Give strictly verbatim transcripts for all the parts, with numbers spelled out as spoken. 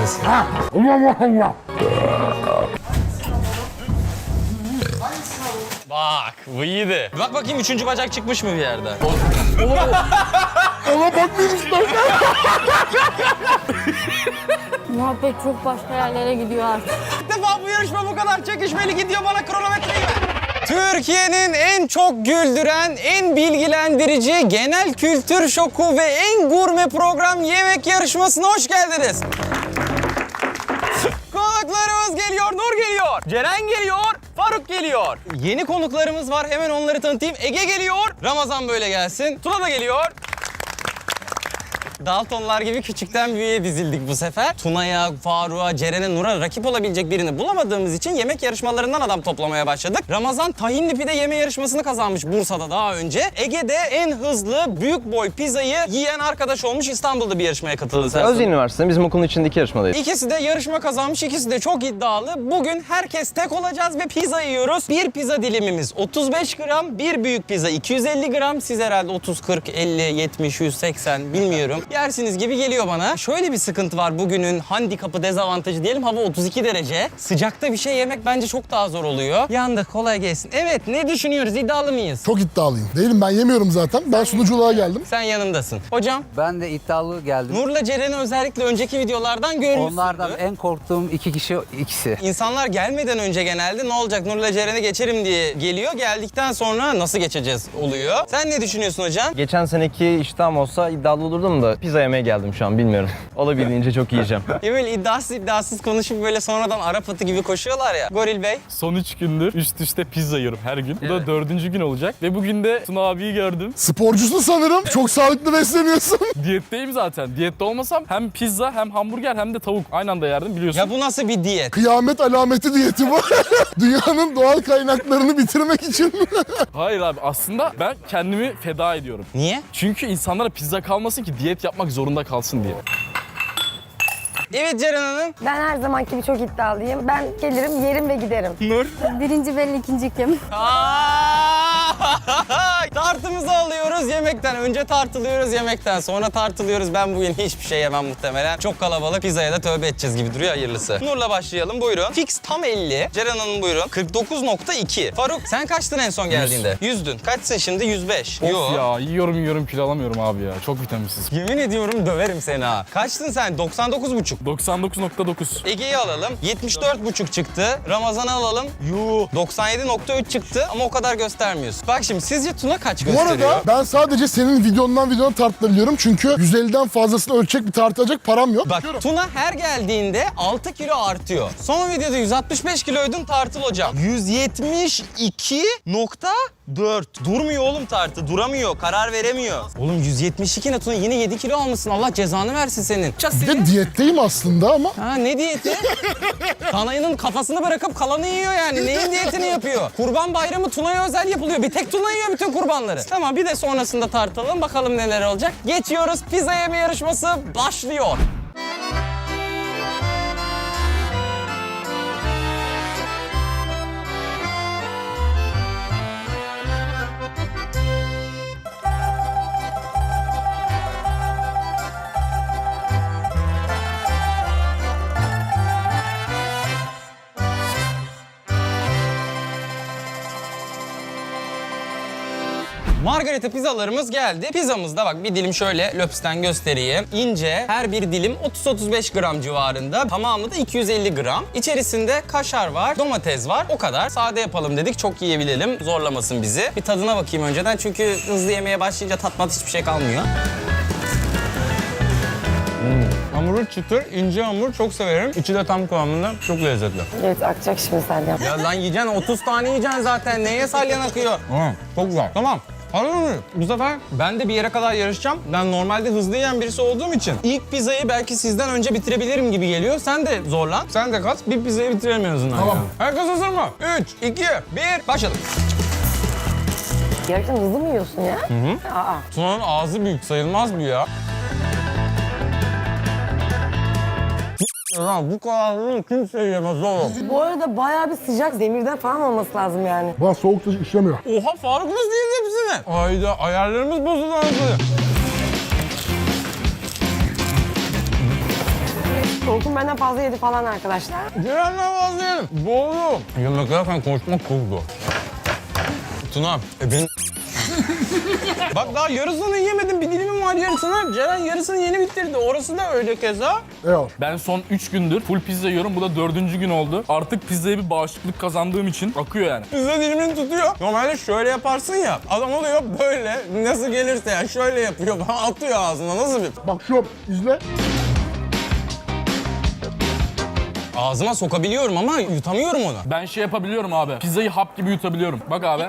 tanesi. Bak bu iyiydi. Bak bakayım üçüncü bacak çıkmış mı bir yerden? Ona bakmayayım istersen. Muhabbet çok başka yerlere gidiyor artık. İlk defa bu yarışma bu kadar çekişmeli gidiyor, bana kronometreyi ver. Türkiye'nin en çok güldüren, en bilgilendirici, genel kültür şoku ve en gurme program yemek yarışmasına hoş geldiniz. Konuklarımız geliyor, Nur geliyor, Ceren geliyor, Faruk geliyor. Yeni konuklarımız var, hemen onları tanıtayım. Ege geliyor, Ramazan böyle gelsin, Tuna da geliyor. Daltonlar gibi küçükten büyüğe dizildik bu sefer. Tuna'ya, Faruk'a, Ceren'e, Nur'a rakip olabilecek birini bulamadığımız için yemek yarışmalarından adam toplamaya başladık. Ramazan tahinli pide yeme yarışmasını kazanmış Bursa'da daha önce. Ege'de en hızlı büyük boy pizzayı yiyen arkadaş olmuş, İstanbul'da bir yarışmaya katıldı. Özyeğin Üniversitesi'nde bizim okulun içindeki yarışmadayız. İkisi de yarışma kazanmış, ikisi de çok iddialı. Bugün herkes tek olacağız ve pizza yiyoruz. Bir pizza dilimimiz otuz beş gram, bir büyük pizza iki yüz elli gram. Siz herhalde otuz, kırk, elli, yetmiş, yüz seksen bilmiyorum. Yersiniz gibi geliyor bana. Şöyle bir sıkıntı var bugünün handikapı, dezavantajı diyelim. Hava otuz iki derece. Sıcakta bir şey yemek bence çok daha zor oluyor. Yandık, kolay gelsin. Evet, ne düşünüyoruz? İddialı mıyız? Çok iddialıyım. Değilim, ben yemiyorum zaten. Ben sunuculuğa geldim. Sen yanındasın. Hocam, Ben de iddialı geldim. Nur'la Ceren'i özellikle önceki videolardan görmüşsündür. Onlardan en korktuğum iki kişi ikisi. İnsanlar gelmeden önce genelde ne olacak Nur'la Ceren'i geçerim diye geliyor. Geldikten sonra nasıl geçeceğiz oluyor. Sen ne düşünüyorsun hocam? Geçen seneki iştahım olsa iddialı olurdum da pizza yemeye geldim şu an, bilmiyorum. Olabildiğince çok yiyeceğim. Ya böyle iddiasız iddiasız konuşup böyle sonradan Arap atı gibi koşuyorlar ya. Goril Bey. Son üç gündür üst üste pizza yiyorum her gün. Bu da dördüncü gün olacak. Ve bugün de Tuna abiyi gördüm. Sporcusun sanırım. Çok sağlıklı besleniyorsun. Diyetteyim zaten. Diyette olmasam hem pizza hem hamburger hem de tavuk aynı anda yerdim, biliyorsun. Ya bu nasıl bir diyet? Kıyamet alameti diyeti bu. Dünyanın doğal kaynaklarını bitirmek için. Hayır abi, aslında ben kendimi feda ediyorum. Niye? Çünkü insanlara pizza kalmasın ki diyet yapmak zorunda kalsın diye. Evet Ceren Hanım. Ben her zamanki gibi çok iddialıyım. Ben gelirim, yerim ve giderim. Nur. Birinci belli, ikinci kim? Tartımızı alıyoruz yemekten. Önce tartılıyoruz yemekten. Sonra tartılıyoruz. Ben bugün hiçbir şey yemem muhtemelen. Çok kalabalık. Pizzaya da tövbe edeceğiz gibi duruyor, hayırlısı. Nur'la başlayalım. Buyurun. Fix tam elli. Ceren Hanım buyurun. kırk dokuz nokta iki. Faruk sen kaçtın en son geldiğinde? yüzdün. Kaçsın şimdi? yüz beş. Of ya, yiyorum yiyorum kilo alamıyorum abi ya. Çok vitaminsiz. Yemin ediyorum döverim seni ha. Kaçtın sen? doksan dokuz buçuk. doksan dokuz nokta dokuz. Ege'yi alalım. yetmiş dört buçuk çıktı. Ramazan'ı alalım. Yuh. doksan yedi nokta üç çıktı ama o kadar göstermiyorsun. Bak şimdi sizce Tuna kaç Bu gösteriyor? arada ben sadece senin videondan videona tartılabiliyorum. Çünkü yüz elliden fazlasını ölçecek bir tartacak param yok. Bak Tuna her geldiğinde altı kilo artıyor. Son videoda yüz altmış beş kiloydun, tartıl hocam. yüz yetmiş iki nokta dört. Durmuyor oğlum tartı. Duramıyor. Karar veremiyor. Oğlum yüz yetmiş iki ne Tuna? Yine yedi kilo almışsın. Allah cezanı versin senin. Bir de diyetteyim aslında ama. Ha ne diyeti? Danayının kafasını bırakıp kalanı yiyor yani. Neyin diyetini yapıyor? Kurban bayramı Tuna'ya özel yapılıyor. Bir tek Tuna yiyor bütün kurbanları. Tamam, bir de sonrasında tartalım. Bakalım neler olacak. Geçiyoruz. Pizza yeme yarışması başlıyor. Margarita pizzalarımız geldi. Pizzamızda bak bir dilim şöyle löpsten göstereyim. İnce, her bir dilim otuz otuz beş gram civarında. Tamamı da iki yüz elli gram. İçerisinde kaşar var, domates var. O kadar. Sade yapalım dedik. Çok yiyebilelim. Zorlamasın bizi. Bir tadına bakayım önceden. Çünkü hızlı yemeye başlayınca tatmat hiçbir şey kalmıyor. Hmm. Hamuru çıtır, ince hamur, çok severim. İçi de tam kıvamında, çok lezzetli. Evet, akacak şimdi senden. Ya lan yiyeceksin, otuz tane yiyeceksin zaten. Neye salyan akıyor? Tamam, çok güzel. Tamam. Anladın mı? Bu sefer ben de bir yere kadar yarışacağım. Ben normalde hızlı yiyen birisi olduğum için ilk pizzayı belki sizden önce bitirebilirim gibi geliyor. Sen de zorlan, sen de kat. Bir pizzayı bitirelim en azından. Tamam. Yani. Herkes hazır mı? üç, iki, bir, başladık. Gerçekten hızlı mı yiyorsun ya? Hı hı. Aa. Tuna'nın ağzı büyük, sayılmaz bu ya. Lan bu kadar hızlı kimse yiyemez oğlum. Bu arada bayağı bir sıcak, zemirden falan olması lazım yani. Bana soğukta işlemiyor. Oha, Faruk nasıl yedi hepsini? Ayda ayarlarımız bozuldu anasını. Orkun benden fazla yedi falan arkadaşlar. Ceren'den vazgeçelim. Boğulu. Yemek yerken konuşmak çok zor. Tuna, e ben... Bak daha yarısını yemedim, bir dilimim var yarısını. Ceren yarısını yeni bitirdi. Orası da öyle keza. Eyvallah. Ben son üç gündür full pizza yiyorum. Bu da dördüncü gün oldu. Artık pizzaya bir bağışıklık kazandığım için akıyor yani. Pizza dilimini tutuyor. Normalde şöyle yaparsın ya. Adam oluyor böyle. Nasıl gelirse yani şöyle yapıyor. Atıyor ağzına. Nasıl bir... Bak şu izle. Ağzıma sokabiliyorum ama yutamıyorum onu. Ben şey yapabiliyorum abi. Pizzayı hap gibi yutabiliyorum. Bak abi.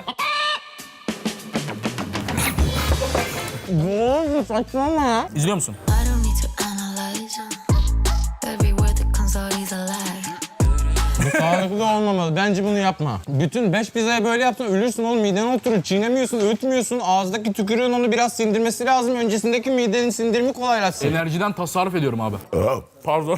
Bu saçmalama ya. İzliyor musun? I don't need to analyze uh, every word that comes out is a lie. Bu sağlıklı olmamalı. Bence bunu yapma. Bütün beş pizzaya böyle yapsan ölürsün oğlum. Midene oturur. Çiğnemiyorsun, öğütmüyorsun. Ağızdaki tükürüğün onu biraz sindirmesi lazım. Öncesindeki midenin sindirimi kolaylaşsın. Enerjiden tasarruf ediyorum abi. Pardon.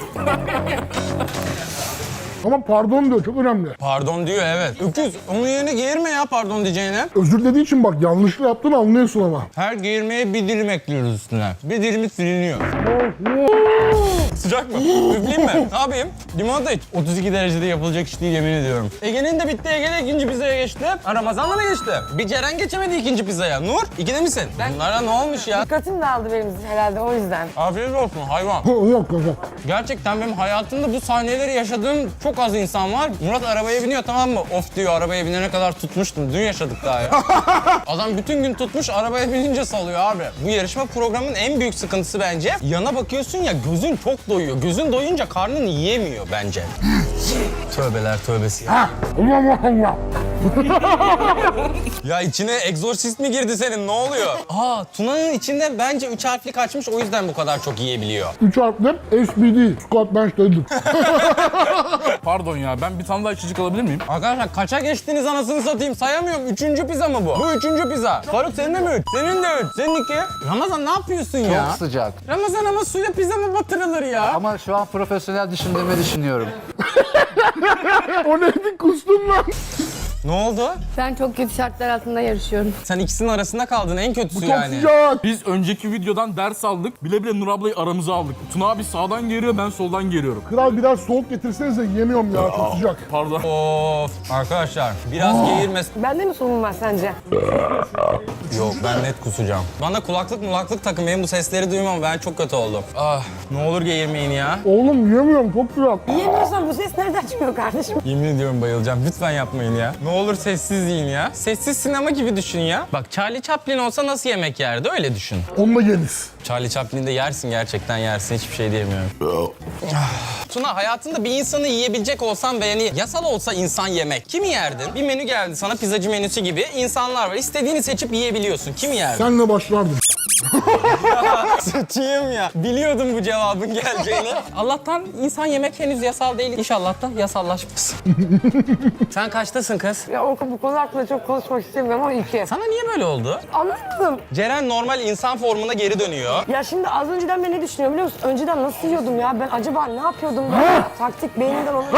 Ama pardon diyor, çok önemli. Pardon diyor evet. Öküz onun yerine geğirme ya pardon diyeceğine. Özür dediği için bak yanlışlık yaptığını anlıyorsun ama. Her geğirmeye bir dilim ekliyoruz üstüne. Bir dilimi siliniyor. Sıcak mı? Üfleyeyim mi? Ne yapayım? Limonata iç. otuz iki derecede yapılacak iş değil yemin ediyorum. Ege'nin de bitti. Ege de ikinci pizzaya geçti. Ha, Ramazan da mı geçti? Bir Ceren geçemedi ikinci pizzaya. Nur, ikide misin? Bunlara ne olmuş ya? Dikkatim dağıldı benim herhalde o yüzden. Afiyet olsun hayvan. Yok kanka. Gerçekten benim hayatımda bu sahneleri yaşadığım çok az insan var. Murat arabaya biniyor tamam mı? Of diyor arabaya binene kadar tutmuştum. Dün yaşadık daha ya. Adam bütün gün tutmuş arabaya binince salıyor abi. Bu yarışma programının en büyük sıkıntısı bence. Yana bakıyorsun ya gözün çok doyuyor. Gözün doyunca karnın yiyemiyor bence. Tövbeler tövbesi ya. Ha, Allah Allah. Ya içine egzorsist mi girdi senin ne oluyor? Aa Tuna'nın içinde bence üç harfli kaçmış o yüzden bu kadar çok yiyebiliyor. Üç harfli S B D, squat bench deadlift. Pardon ya ben bir tane daha içecek alabilir miyim? Arkadaşlar kaça geçtiniz anasını satayım sayamıyorum. Üçüncü pizza mı bu? Bu üçüncü pizza. Faruk senin de mi üç? Senin de üç. Senin iki. Ramazan ne yapıyorsun ya? Çok sıcak. Ramazan ama suyla pizza mı batırılır ya? Ama şu an profesyonel düşündüğümü düşünüyorum. O neydi, kustum lan. Ne oldu? Ben çok kötü şartlar altında yarışıyorum. Sen ikisinin arasında kaldın en kötüsü Çok yani. sıcak. Biz önceki videodan ders aldık. Bile bile Nur ablayı aramıza aldık. Tuna abi sağdan geliyor ben soldan geliyorum. Kral biraz soğuk getirsenize, yemiyorum ya, çok sıcak. Pardon. Of arkadaşlar biraz geğirmez. Bende mi sorun var sence? Yok ben net kusacağım. Bana kulaklık mulaklık takın benim bu sesleri duymam ben çok kötü oldum. Ah ne olur geğirmeyin ya. Oğlum yemiyorum, çok sıcak. Yiyemiyorsan bu ses nereden çıkıyor kardeşim? Yemin ediyorum bayılacağım. Lütfen yapmayın ya. Ne olur sessiz yiyin ya. Sessiz sinema gibi düşün ya. Bak Charlie Chaplin olsa nasıl yemek yerdi öyle düşün. Onunla yeriz. Charlie Chaplin'de yersin gerçekten yersin hiçbir şey diyemiyorum. Ah. Tuna hayatında bir insanı yiyebilecek olsan ve yani yasal olsa insan yemek. Kimi yerdin? Bir menü geldi sana pizzacı menüsü gibi insanlar var. İstediğini seçip yiyebiliyorsun. Kimi yerdin? Senle başlardım. Sıçayım ya. Biliyordum bu cevabın geleceğini. Allah'tan insan yemek henüz yasal değil. İnşallah da yasallaşmasın. Sen kaçtasın kız? Ya Orkun bu konu hakkında çok konuşmak istemiyorum ama iki. Sana niye böyle oldu? Anlamadım. Ceren normal insan formuna geri dönüyor. Ya şimdi az önceden ben ne düşünüyorum biliyor musun? Önceden nasıl yiyordum ya? Ben acaba ne yapıyordum ben? Taktik beynimden onu...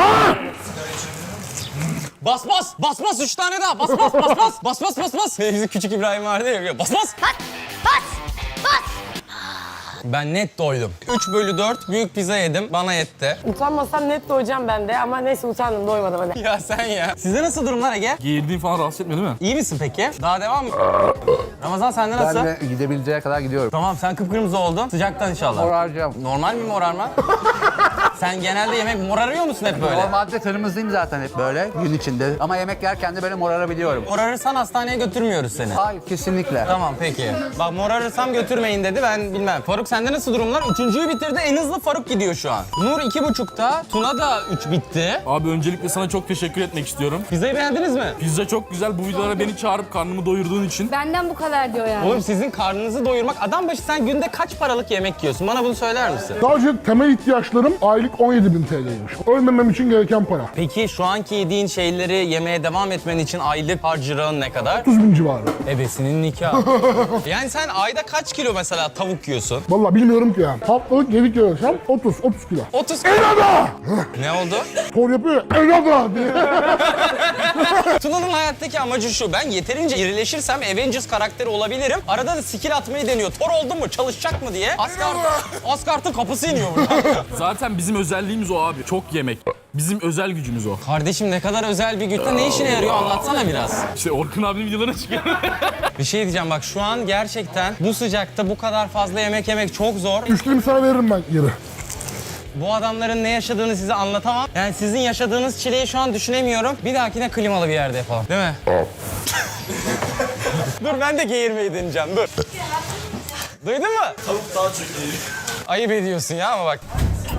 Bas bas! Bas bas! Üç tane daha! Bas bas! Bas bas! Bas bas bas bas! Bizim küçük İbrahim vardı ya. Bas bas! Bas! Bas! Bas! Ben net doydum. üç bölü dört büyük pizza yedim. Bana yetti. Utanmasam net doyacağım ben de ama neyse utandım doymadım hadi. Ya sen ya. Sizde nasıl durumlar Ege? Geğirdiğin falan rahatsız etmiyor değil mi? İyi misin peki? Daha devam mı? Ramazan sende Ben nasıl? de gidebileceğe kadar gidiyorum. Tamam sen kıpkırmızı oldun. Sıcaktan inşallah. Moraracağım. Normal mi morarma? Sen genelde yemek morarıyor musun hep böyle? Normalde kırmızıyım zaten hep böyle gün içinde. Ama yemek yerken de böyle morarabiliyorum. Morarırsan hastaneye götürmüyoruz seni. Hayır kesinlikle. Tamam peki. Bak morarırsam götürmeyin dedi ben bilmem. Faruk sende nasıl durumlar? Üçüncüyü bitirdi en hızlı Faruk gidiyor şu an. Nur iki buçukta. Tuna da üç bitti. Abi öncelikle sana çok teşekkür etmek istiyorum. Pizzayı beğendiniz mi? Pizza çok güzel. Bu videolara beni çağırıp karnımı doyurduğun için. Benden bu kadar diyor yani. Oğlum sizin karnınızı doyurmak adam başı sen günde kaç paralık yemek yiyorsun? Bana bunu söyler misin? Sadece temel ihtiyaçlarım aylık aylık on yedi bin T L'ymiş. Ölmemem için gereken para. Peki şu anki yediğin şeyleri yemeye devam etmen için aylık harcırağın ne kadar? otuz bin civarı. Ebesinin nikahı. Yani sen ayda kaç kilo mesela tavuk yiyorsun? Vallahi bilmiyorum ki yani. Haftalık yedi kilo yaşam otuz, otuz kilo. otuz. Enada! Ne oldu? Spor yapıyor ya, enada diye. Tuna'nın hayattaki amacı şu. Ben yeterince irileşirsem Avengers karakteri olabilirim. Arada da skill atmayı deniyor. Thor oldu mu? Çalışacak mı diye. Asgard, Asgard'ın kapısı iniyor burada. Zaten bizim özelliğimiz o abi. Çok yemek. Bizim özel gücümüz o. Kardeşim ne kadar özel bir güç. Ne işine yarıyor anlatsana biraz. İşte Orkun abinin videolarına çıkıyor. Bir şey diyeceğim bak şu an gerçekten bu sıcakta bu kadar fazla yemek yemek çok zor. Üçlüğümü sana veririm ben geri. Bu adamların ne yaşadığını size anlatamam. Yani sizin yaşadığınız çileyi şu an düşünemiyorum. Bir dahakine klimalı bir yerde yapalım. Değil mi? Dur ben de geğirmeyi deneyeceğim. Dur. Duydun mu? Tavuk daha çok ayıp ediyorsun ya ama bak.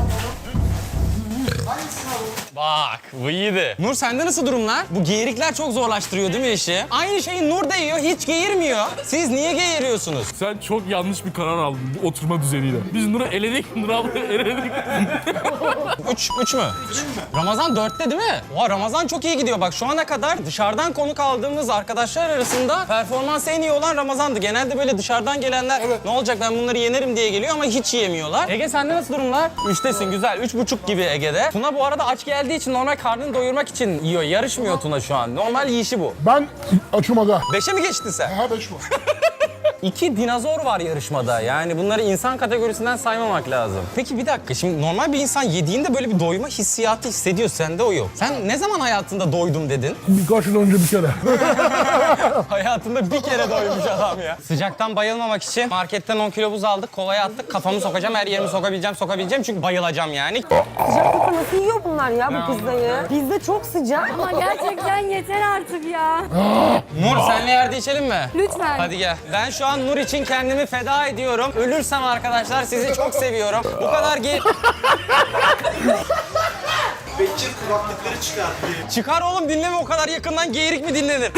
Bak bu iyiydi. Nur sende nasıl durumlar? Bu geğirikler çok zorlaştırıyor değil mi işi? Aynı şeyi Nur da yiyor, hiç geğirmiyor. Siz niye geğiriyorsunuz? Sen çok yanlış bir karar aldın bu oturma düzeniyle. Biz Nur'u eledik, Nur abla eledik. Üç, üç mü? Ramazan dörtte değil mi? Oha Ramazan çok iyi gidiyor. Bak şu ana kadar dışarıdan konuk aldığımız arkadaşlar arasında performansı en iyi olan Ramazan'dı. Genelde böyle dışarıdan gelenler ne olacak ben bunları yenerim diye geliyor ama hiç yiyemiyorlar. Ege sende nasıl durumlar? Üçtesin güzel. Üç buçuk gibi Ege'de. Tuna bu arada aç geldiği için normal karnını doyurmak için yiyor. Yarışmıyor Tuna şu an. Normal yiyişi bu. Ben açım aga. Beşe mi geçtin sen? Ha beş mi? İki dinozor var yarışmada. Yani bunları insan kategorisinden saymamak lazım. Peki bir dakika. Şimdi normal bir insan yediğinde böyle bir doyma hissiyatı hissediyor. Sende o yok. Sen ne zaman hayatında doydum dedin? Birkaç yıl önce bir kere. Hayatında bir kere doymuş adam ya. Sıcaktan bayılmamak için marketten on kilo buz aldık. Kovaya attık. Kafamı sokacağım. Her yerimi sokabileceğim. Sokabileceğim. Çünkü bayılacağım yani. Sıcaklıkta nasıl yiyor bunlar ya bu pizzayı? Pizza çok sıcak. Ama gerçekten yeter artık ya. Nur senle yerde içelim mi? Lütfen. Hadi gel. Ben şu an Nur için kendimi feda ediyorum. Ölürsem arkadaşlar sizi çok seviyorum. Bu kadar ge... Bekir kulaklıkları çıkarttı. Çıkar oğlum dinleme o kadar yakından geğirik mi dinlenir?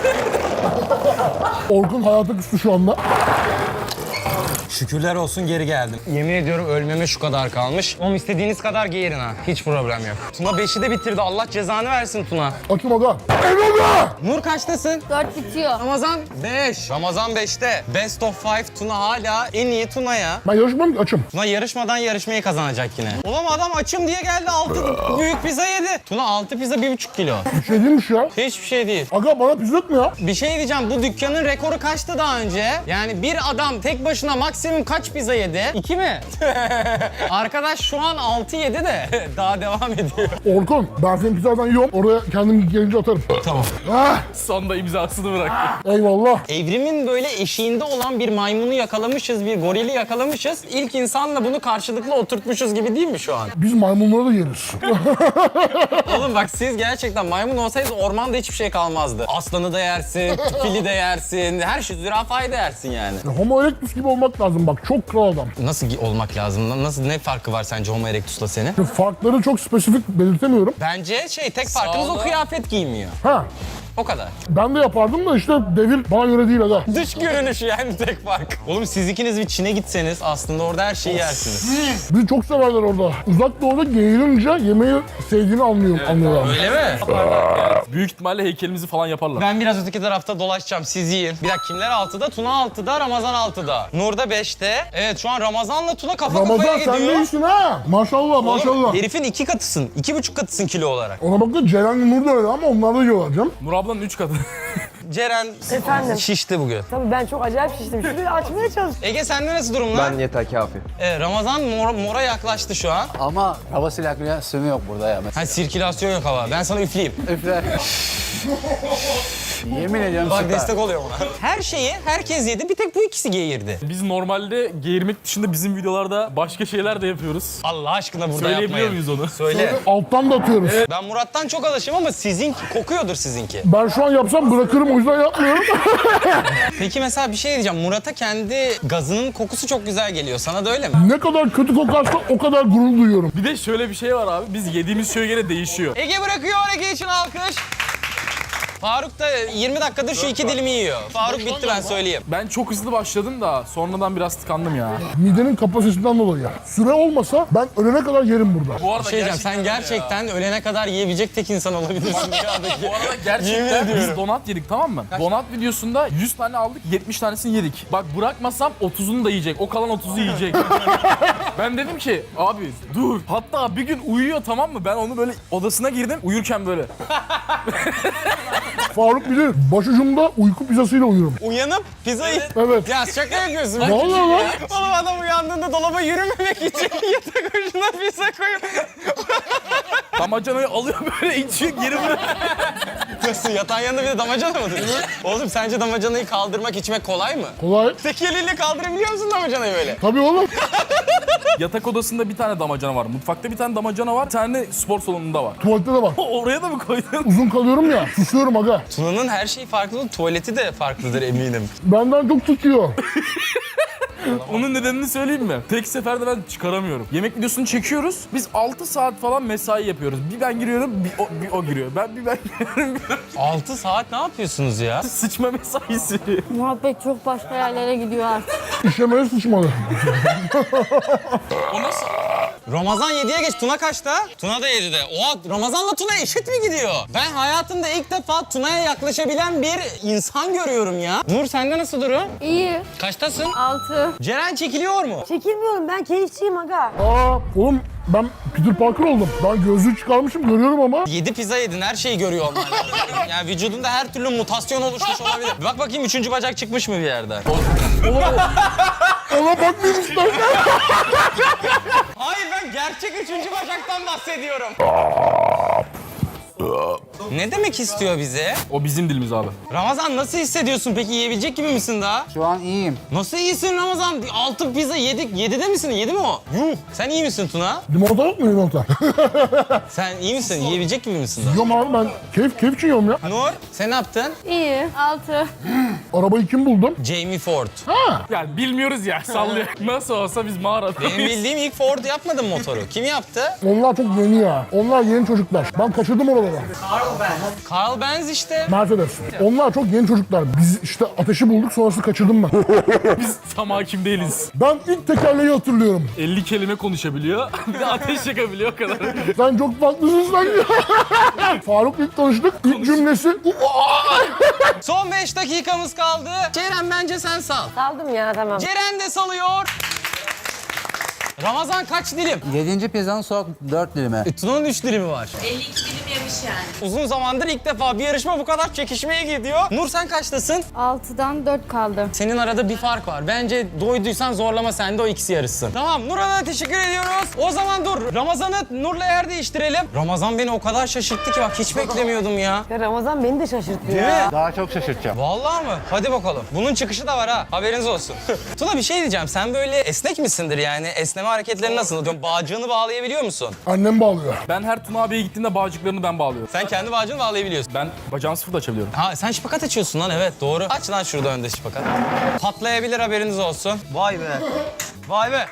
Orkun hayata küstü şu anda. Şükürler olsun geri geldim. Yemin ediyorum ölmeme şu kadar kalmış. Oğlum istediğiniz kadar geğirin ha. Hiç problem yok. Tuna beşi de bitirdi. Allah cezanı versin Tuna. Açım aga. Enada! Nur kaçtasın? Dört bitiyor. Ramazan beş. Ramazan beşte. Best of five Tuna hala en iyi Tuna ya. Ben yarışmam ki açım. Tuna yarışmadan yarışmayı kazanacak yine. Oğlum adam açım diye geldi altı büyük pizza yedi. Tuna altı pizza bir buçuk kilo. Bir şey değilmiş ya. Hiçbir şey değil. Aga bana pizza yok mu ya? Bir şey diyeceğim bu dükkanın rekoru kaçtı daha önce? Yani bir adam tek başına maksimum kaç pizza yedi? İki mi? Arkadaş şu an altı yedi de daha devam ediyor. Orkun ben senin pizzadan yiyorum. Oraya kendim gelince atarım. Tamam. Ah, Sonda imzasını bıraktı. eyvallah. Evrimin böyle eşiğinde olan bir maymunu yakalamışız, bir gorili yakalamışız. İlk insanla bunu karşılıklı oturtmuşuz gibi değil mi şu an? Biz maymunları da yeriz. Oğlum bak siz gerçekten maymun olsaydınız ormanda hiçbir şey kalmazdı. Aslanı da yersin, fili de yersin, her şey zürafayı da yersin yani. Homo erectus gibi olmak lazım bak. Çok kral adam. Nasıl olmak lazım? Nasıl ne farkı var sence Homo erectus'la senin? Farkları çok spesifik belirtemiyorum. Bence şey tek farkınız o kıyafet giymiyor. Ha, O kadar. ben de yapardım da işte devir bana göre değil aga. Dış görünüşü yani tek fark. Oğlum siz ikiniz bir Çin'e gitseniz aslında orada her şeyi yersiniz. Bizi çok severler orada. Uzak doğuda geğirince yemeği sevdiğini anlıyorum, anlıyorlar. Öyle mi? Büyük ihtimalle heykelimizi falan yaparlar. Ben biraz öteki tarafta dolaşacağım. Siz yiyin. Bir dakika kimler altıda? Tuna altıda, Ramazan altıda. Nur da beşte. Evet şu an Ramazan'la Tuna kafa Ramazan kafaya sen gidiyor. de iyisin ha. Maşallah Oğlum, maşallah. herifin iki katısın. iki buçuk katısın kilo olarak. Ona bakın Ceren Nur da öyle ama onlar da yiyorlar canım. Nur ablanın üç katı. Ceren Efendim? şişti bugün. Tabii ben çok acayip şiştim. Şurayı açmaya çalıştım. Ege sende nasıl durumlar? Ben yeter kafi. Evet, Ramazan mora, mora yaklaştı şu an. Ama hava sirkülasyonu yok burada ya. Ha sirkülasyon yok hava. Ben sana üfleyeyim. Üfle. Yemin ediyorum Bak süper. destek oluyor buna. Her şeyi herkes yedi. Bir tek bu ikisi geğirdi. Biz normalde geğirmek dışında bizim videolarda başka şeyler de yapıyoruz. Allah aşkına burada Söyleyebiliyor yapmayın. muyuz onu? Söyle. Alttan da atıyoruz. Ben Murat'tan çok alışım ama sizin kokuyordur sizinki. Ben şu an yapsam bırakırım o yüzden yapmıyorum. Peki mesela bir şey diyeceğim. Murat'a kendi gazının kokusu çok güzel geliyor. Sana da öyle mi? Ne kadar kötü kokarsa o kadar gurur duyuyorum. Bir de şöyle bir şey var abi. Biz yediğimiz şeye göre değişiyor. Ege bırakıyor. Ege için alkış. Faruk da yirmi dakikadır şu iki dilimi yiyor. Faruk bitti ben söyleyeyim. Ben çok hızlı başladım da sonradan biraz tıkandım ya. Midenin kapasitesinden dolayı. Süre olmasa ben ölene kadar yerim burada. Bu arada Bir şey diyeceğim, sen gerçekten ölene kadar yiyebilecek tek insan olabilirsin dünyadaki. Bu arada Yemin gerçekten ediyorum. biz donat yedik, tamam mı? Donat videosunda yüz tane aldık, yetmiş tanesini yedik. Bak bırakmasam otuzunu da yiyecek. O kalan otuzu yiyecek. Ben dedim ki abi dur. Hatta bir gün uyuyor, tamam mı? Ben onu böyle odasına girdim, uyurken böyle. Faruk bilir, başucumda uyku pizzasıyla uyurum. Uyanıp pizzayı... Evet. Ya şaka yapıyorsun. Ne oluyor lan? Oğlum adam uyandığında dolaba yürümemek için yatak ucuna pizza koyup... Damacanayı alıyor böyle içiyor, geri bırak. Nasıl? Yatağın yanında bir de damacana mı? Oğlum sence damacanayı kaldırmak, içmek kolay mı? Kolay. Tek eliyle kaldırabiliyor musun damacanayı böyle? Tabii oğlum. Yatak odasında bir tane damacana var. Mutfakta bir tane damacana var. Bir tane spor salonunda var. Tuvalette de var. Oraya da mı koydun? Uzun kalıyorum ya, susuyorum aga. Tuna'nın her şeyi farklı, tuvaleti de farklıdır eminim. Benden çok tutuyor. Onun nedenini söyleyeyim mi? Tek seferde ben çıkaramıyorum. Yemek videosunu çekiyoruz. Biz altı saat falan mesai yapıyoruz. Bir ben giriyorum, bir o, bir o giriyor. Ben bir ben giriyorum. altı saat ne yapıyorsunuz ya? Sıçma mesaisi. Muhabbet çok başka yerlere gidiyor artık. İşlemeye sıçmalı. O nasıl? Ramazan yediye geç. Tuna kaçta? Tuna da yedide. Oha, Ramazan'la Tuna eşit mi gidiyor? Ben hayatımda ilk defa Tuna'ya yaklaşabilen bir insan görüyorum ya. Nur sende nasıl durum? İyi. Kaçtasın? Altı. Ceren çekiliyor mu? Çekilmiyorum, ben keyifçiyim aga. Aa oğlum ben Peter Parker oldum. Ben gözlüğü çıkarmışım, görüyorum ama. Yedi pizza yedin, her şeyi görüyor olman lazım. Yani vücudunda her türlü mutasyon oluşmuş olabilir. Bir bak bakayım üçüncü bacak çıkmış mı bir yerden? Ona bakmayayım istersen. Hayır, ben gerçek üçüncü bacaktan bahsediyorum. Ne demek istiyor bize? O bizim dilimiz abi. Ramazan nasıl hissediyorsun peki? Yiyebilecek gibi misin daha? Şu an iyiyim. Nasıl iyisin Ramazan? Altı pizza yedik. Yedide misin? Yedi mi o? Yuh. Sen iyi misin Tuna? Limonata yok mu limonata? Sen iyi misin? Yiyebilecek gibi misin daha? Yiyorum abi ben. Keyif, keyif için yiyorum ya. Nur, sen ne yaptın? İyi. Altı. Arabayı kim buldum? Jamie Ford. Yani bilmiyoruz ya, sallıyor. Nasıl olsa biz mağaradayız. Benim bildiğim ilk Ford yapmadın motoru. Kim yaptı? Onlar çok yeni ya. Onlar yeni çocuklar. Ben kaçırdım oraları. Carl Benz işte. Mercedes. Onlar çok yeni çocuklar. Biz işte ateşi bulduk, sonrasını kaçırdım ben. Biz tam hakim değiliz. Ben ilk tekerleği hatırlıyorum. elli kelime konuşabiliyor. Bir de ateş yakabiliyor o kadar. Sen çok farklısın sen ya. Faruk ilk tanıştık. İlk cümlesi. Son beş dakikamız kaldı. Ceren bence sen sal. Saldım ya, tamam. Ceren de salıyor. Ramazan kaç dilim? Yedinci pizzanın son dört dilimi. E, Tuna'nın üç dilimi var. elli iki dilim yemiş yani. Uzun zamandır ilk defa bir yarışma bu kadar çekişmeye gidiyor. Nur sen kaçtasın? Altıdan dört kaldı. Senin arada bir fark var. Bence doyduysan zorlama, sen de o ikisi yarışsın. Tamam, Nur'a da teşekkür ediyoruz. O zaman dur, Ramazan'ı Nur'la yer değiştirelim. Ramazan beni o kadar şaşırttı ki bak hiç beklemiyordum ya. Ya Ramazan beni de şaşırttı Değil ya. mi? Daha çok şaşırtacağım. Vallahi mı? Hadi bakalım. Bunun çıkışı da var ha. Haberiniz olsun. Tuna bir şey diyeceğim. Sen böyle esnek misindir yani? Esneme hareketleri nasıl? Diyorum, bağcığını bağlayabiliyor musun? Annem bağlıyor. Ben her Tuna abiye gittiğimde bağcıklarını ben bağlıyorum. Sen kendi bağcığını bağlayabiliyorsun. Ben bacağını sıfır da açabiliyorum. Ha sen şıpakat açıyorsun lan, evet doğru. Aç lan şurada önde şıpakat. Patlayabilir, haberiniz olsun. Vay be. Vay be.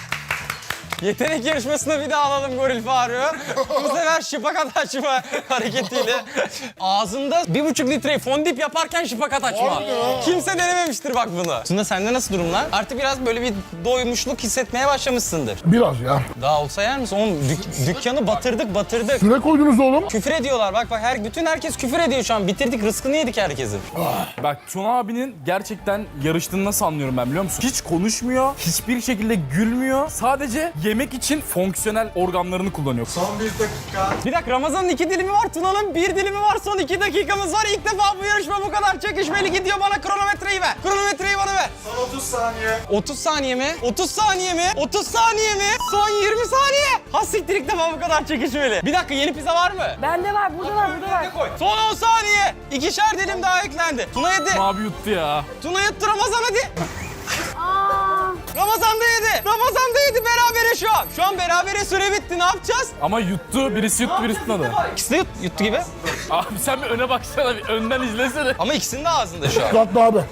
Yetenek yarışmasına bir daha alalım Goril Faruk'u. Bu sefer şıpakat açma hareketiyle. Ağzında bir buçuk litreyi fondip yaparken şıpakat açma. Kimse denememiştir bak bunu. Tuna sende nasıl durumlar? Artık biraz böyle bir doymuşluk hissetmeye başlamışsındır. Biraz ya. Daha olsa yer misin? Oğlum dük- dükkanı batırdık batırdık. Süre koydunuz oğlum. Küfür ediyorlar bak bak her bütün herkes küfür ediyor şu an. Bitirdik, rızkını yedik herkesin. Bak Tuna abinin gerçekten yarıştığını nasıl anlıyorum ben biliyor musun? Hiç konuşmuyor, hiçbir şekilde gülmüyor. Sadece yemek için fonksiyonel organlarını kullanıyor. Son bir dakika. Bir dakika, Ramazan'ın iki dilimi var, Tuna'nın bir dilimi var. Son iki dakikamız var. İlk defa bu yarışma bu kadar çekişmeli gidiyor. Bana kronometreyi ver. Kronometreyi bana ver. Son otuz saniye. otuz saniye mi? otuz saniye mi? otuz saniye mi? Son yirmi saniye. Ha siktir, ilk defa bu kadar çekişmeli. Bir dakika, yeni pizza var mı? Bende var, burada var, burada var. Son on saniye. İkişer dilim daha eklendi. Tuna yedi. Tuna abi yuttu ya. Tuna yuttu, Ramazan hadi. Aa. Ramazan da yedi. Ramazan da yedi. Berabere şu an. Şu an berabere, süre bitti. Ne yapacağız? Ama yuttu, birisi yuttu, birisi tutmadı. İkisi de yut, yuttu gibi. Abi sen bir öne baksana, bir önden izlesene. Ama ikisinin de ağzında şu an. Dikkatli abi.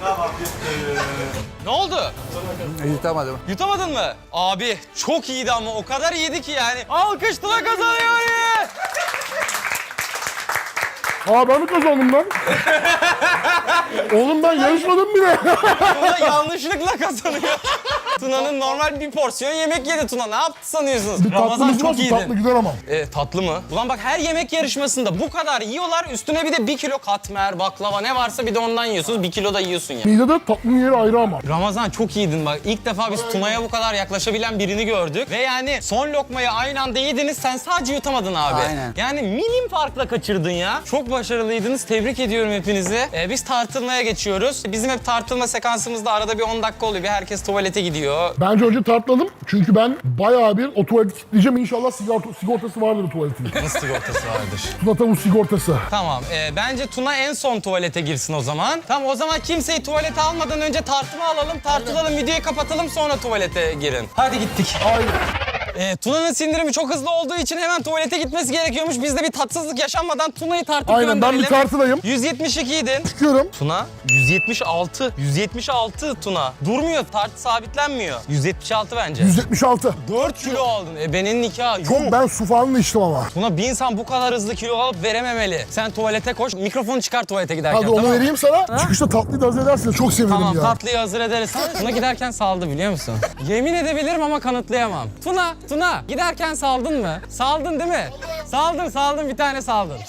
Ne oldu? Yutamadım. Yutamadın mı? Abi çok iyiydi ama o kadar iyiydi ki yani. Alkış, Tuna kazanıyor. Aa ben mi kazandım lan? Oğlum ben yarışmadım bile. Tuna yanlışlıkla kazanıyor. Tuna'nın normal bir porsiyon yemek yedi Tuna. Ne yaptı sanıyorsunuz? Bir Ramazan tatlımız çok varsa iyiydin. tatlı gider ama. E, tatlı mı? Ulan bak her yemek yarışmasında bu kadar yiyorlar. Üstüne bir de bir kilo katmer, baklava ne varsa bir de ondan yiyorsunuz. Bir kilo da yiyorsun ya. Midede tatlının yeri ayrı ama. Ramazan çok iyiydin bak. İlk defa biz Tuna'ya bu kadar yaklaşabilen birini gördük. Ve yani son lokmayı aynı anda yediniz. Sen sadece yutamadın abi. Aynen. Yani milim farkla kaçırdın ya. Çok başarılıydınız. Tebrik ediyorum hepinizi. Ee, biz tartılmaya geçiyoruz. Bizim hep tartılma sekansımızda arada bir on dakika oluyor. Bir herkes tuvalete gidiyor. Bence önce tartladım. Çünkü ben bayağı bir o tuvaleti kilitleyeceğim. İnşallah sigorta, sigortası vardır o tuvaletin. Nasıl sigortası vardır? Tuna tavuk sigortası. Tamam. e, bence Tuna en son tuvalete girsin o zaman. Tamam o zaman kimseyi tuvalete almadan önce tartıma alalım. Tartılalım, videoyu kapatalım sonra tuvalete girin. Hadi gittik. Aynen. E, Tuna'nın sindirimi çok hızlı olduğu için hemen tuvalete gitmesi gerekiyormuş. Biz de bir tatsızlık yaşanmadan Tuna'yı tartıp Aynen ben gönderelim. bir tartıdayım. yüz yetmiş iki idin. Çıkıyorum. Tuna yüz yetmiş altı. yüz yetmiş altı Tuna. Durmuyor, tartı sabitlenmiyor. yüz yetmiş altı bence. yüz yetmiş altı. dört kilo aldın. E benim nikah. Çok ben su falan da içtim ama. Tuna bir insan bu kadar hızlı kilo alıp verememeli. Sen tuvalete koş, mikrofonu çıkar tuvalete giderken. Hadi onu tamam mı? vereyim sana. Çıkışta tatlıyı da hazır edersiniz. Çok sevinirim Tamam ya. tatlıyı hazır ederiz. Tuna giderken saldı biliyor musun? Yemin edebilirim ama kanıtlayamam. Tuna, Tuna giderken saldın mı? Saldın değil mi? Saldın, saldın bir tane saldın.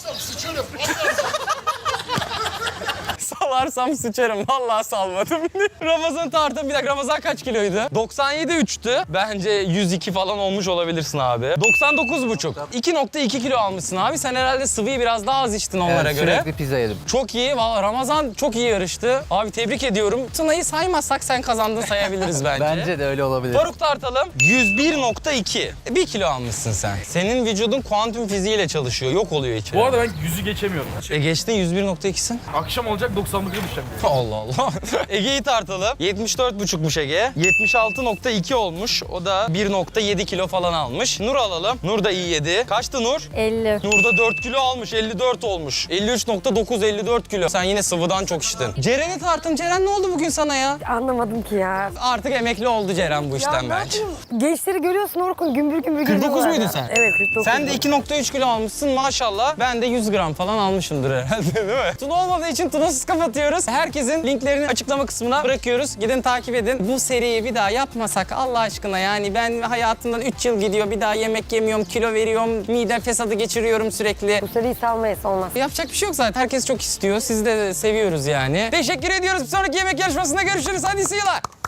Salarsam sıçarım. Vallahi salmadım. Ramazan tartım. Bir dakika Ramazan kaç kiloydu? doksan yedi üçtü. Bence yüz iki falan olmuş olabilirsin abi. doksan dokuz buçuk. iki nokta iki kilo almışsın abi. Sen herhalde sıvıyı biraz daha az içtin onlara Evet, göre. sürekli pizza yedim. Çok iyi. Vallahi Ramazan çok iyi yarıştı. Abi tebrik ediyorum. Tuna'yı saymazsak sen kazandın sayabiliriz bence. Bence de öyle olabilir. Faruk tartalım. yüz bir nokta iki. bir kilo almışsın sen. Senin vücudun kuantum fiziğiyle çalışıyor. Yok oluyor içeri. Bu arada ben yüzü geçemiyorum. E geçtin yüz bir nokta ikisin. Akşam olacak doksanlık'a düşeceğim. Allah Allah. Ege'yi tartalım. yetmiş dört buçukmuş Ege. yetmiş altı nokta iki olmuş. O da bir nokta yedi kilo falan almış. Nur alalım. Nur da iyi yedi. Kaçtı Nur? elli. Nur da dört kilo almış. elli dört olmuş. elli üç nokta dokuz, elli dört kilo. Sen yine sıvıdan çok içtin. Ceren'i tartım. Ceren ne oldu bugün sana ya? Anlamadım ki ya. Artık emekli oldu Ceren bu işten ne bence. yapayım? Gençleri görüyorsun Orkun gümbür gümbür kırk dokuz geliyorlar muydun ya. sen? Evet kırk dokuz. Sen de iki nokta üç kilo almışsın maşallah. Ben de yüz gram falan almışımdır herhalde değil mi? Tuna olmadığı için Tuna'sız kapatıyoruz. Herkesin linklerini açıklama kısmına bırakıyoruz. Gidin takip edin. Bu seriyi bir daha yapmasak Allah aşkına yani ben hayatımdan üç yıl gidiyor. Bir daha yemek yemiyorum, kilo veriyorum, mide fesadı geçiriyorum sürekli. Bu seriyi salmayız olmaz. Yapacak bir şey yok zaten. Herkes çok istiyor. Sizi de seviyoruz yani. Teşekkür ediyoruz. Bir sonraki yemek yarışmasında görüşürüz. Hadi see you.